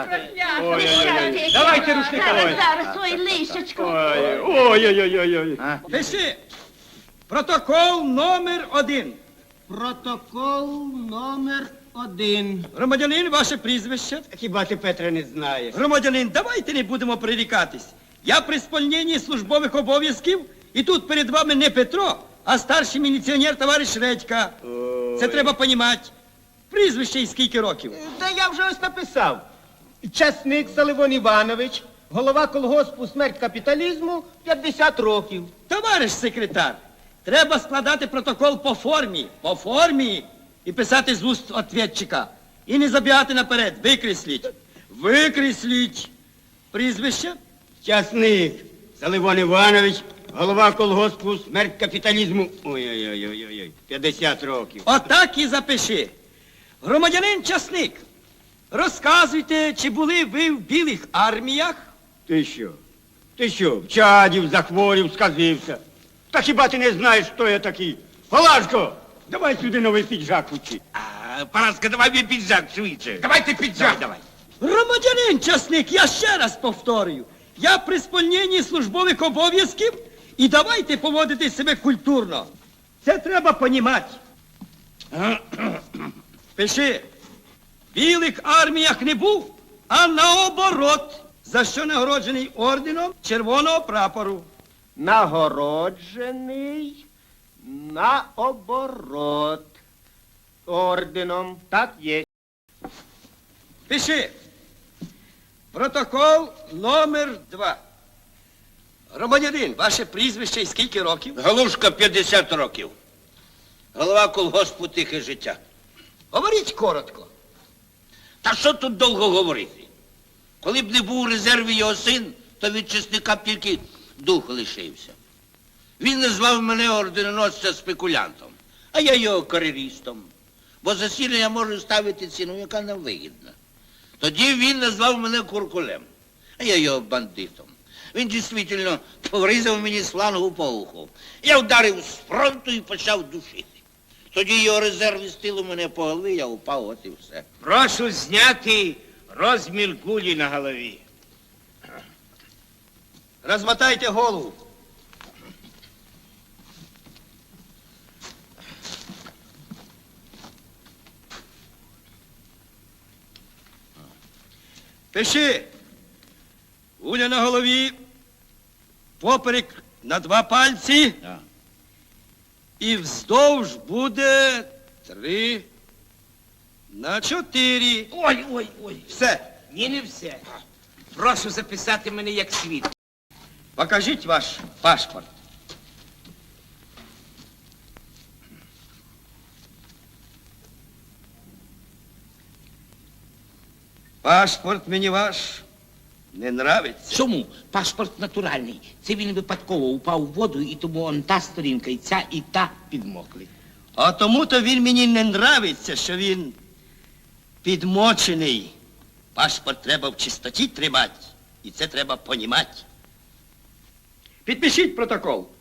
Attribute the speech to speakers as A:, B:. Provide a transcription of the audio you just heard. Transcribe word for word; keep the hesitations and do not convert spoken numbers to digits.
A: Ой-ой-ой. Давайте рушника.
B: Зараз, зараз, ой, лишечко.
A: Ой-ой-ой.
C: Пиши. Протокол номер один.
D: Протокол номер один.
C: Громадянин, ваше прізвище.
D: Хіба ти, Петре, не знаєш?
C: Громадянин, давайте не будемо прирікатись. Я при сповненні службових обов'язків, і тут перед вами не Петро, а старший міліціонер товариш Редька. Це треба понімати. Прізвище і скільки років?
D: Та я вже ось написав. Часник Саливон Іванович, голова колгоспу «Смерть капіталізму», п'ятдесят років.
C: Товариш секретар, треба складати протокол по формі, по формі, і писати з уст ответчика. І не забігати наперед, викресліть. Викресліть. Прізвище?
D: Часник Саливон Іванович, голова колгоспу «Смерть капіталізму». Ой-ой-ой, п'ятдесят років.
C: Отак і запиши. Громадянин Часник, розказуйте, чи були ви в білих арміях?
D: Ти що? Ти що, вчадів, захворів, сказився? Та хіба ти не знаєш, хто я такий? Палашко, давай сюди новий піджак учи.
E: А, Параска, давай мені піджак швидше.
A: Давайте піджак. Давай.
C: Громадянин Часник, я ще раз повторюю. Я при сповненні службових обов'язків, і давайте поводити себе культурно. Це треба понімати. Пиши. В білих арміях не був, а наоборот. За що нагороджений орденом Червоного прапору.
D: Нагороджений наоборот орденом. Так є.
C: Пиши. Протокол номер два. Громадянин, ваше прізвище і скільки років?
E: Галушка, п'ятдесят років. Голова колгоспу «Тихе життя».
C: Говоріть коротко.
E: Та що тут довго говорити? Коли б не був у резерві його син, то від Часника б тільки дух лишився. Він назвав мене орденоносця спекулянтом, а я його кар'єристом. Бо за сіно я можу ставити ціну, яка нам вигідна. Тоді він назвав мене куркулем, а я його бандитом. Він дійсно поврізав мені слангу по уху. Я вдарив з фронту і почав душити. Тоді його резерв із тилу мене по голові, я упав, от і все.
A: Прошу зняти розмір кулі на голові.
C: Розмотайте голову. Пиши. Куля на голові, поперек на два пальці.
E: Так.
C: І вздовж буде три на чотири.
A: Ой, ой, ой.
C: Все.
A: Ні, не все. Прошу записати мене як свідка.
C: Покажіть ваш паспорт. Паспорт мені ваш не нравиться.
F: Чому? Паспорт натуральний. Це він випадково упав у воду, і тому он та сторінка, і ця, і та підмокли.
C: А тому-то він мені не нравиться, що він підмочений. Паспорт треба в чистоті тримати, і це треба понімати. Підпишіть протокол.